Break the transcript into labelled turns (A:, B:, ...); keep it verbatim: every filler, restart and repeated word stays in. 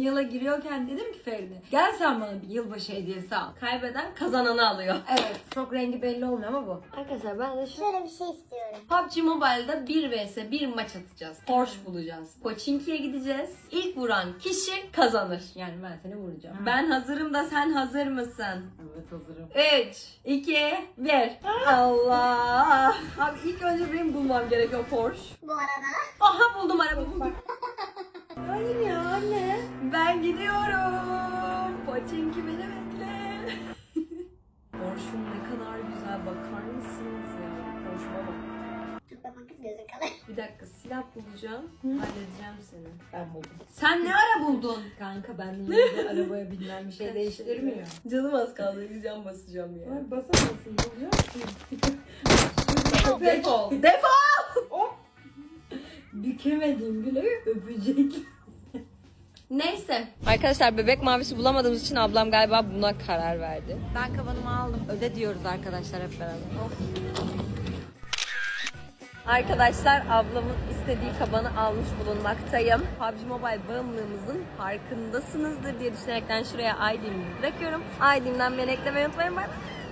A: yıla giriyorken dedim ki Feride, gel sen bana bir yılbaşı hediyesi al. Kaybeden kazananı alıyor. Evet. Çok rengi belli olmuyor ama bu. Arkadaşlar ben de şu
B: Şöyle bir şey istiyorum.
A: P U B G Mobile'da bir vs bir maç atacağız. Porsche bulacağız. Pochinki'ye gideceğiz. İlk vuran kişi kazanır. Yani ben seni vuracağım. Hı. Ben hazırım da sen hazır mısın? Evet hazırım. üç, iki, bir. Allah. Abi ilk önce benim bulmam gerekiyor Porsche.
B: Bu arada.
A: Aha buldum araba buldum. Hayır ya anne. Ben gidiyorum. Pochinki beni bekle. Porsche'um ne kadar güzel, bakar mısınız ya? Porsche'uma bak.
B: Çok bakma kız, gözün kalır.
A: Bir dakika, silah bulacağım. Halledeceğim seni. Ben buldum. Sen ne ara buldun? Kanka ben de arabaya binmem bir şey değiştirmiyor. Canım az kaldı. Gideceğim basacağım ya.
C: Ay basamazsın, bulacaksın.
A: Defol. Defol. Hop. Bükemedim bile öpecek. Neyse. Arkadaşlar bebek mavisi bulamadığımız için ablam galiba buna karar verdi. Ben kabanımı aldım. Öde diyoruz arkadaşlar hep beraber. Oh. Arkadaşlar ablamın istediği kabanı almış bulunmaktayım. P U B G Mobile bağımlılığımızın farkındasınızdır diye düşünerekten şuraya I D'mi bırakıyorum. I D'mden beni eklemeyi unutmayın. Bye.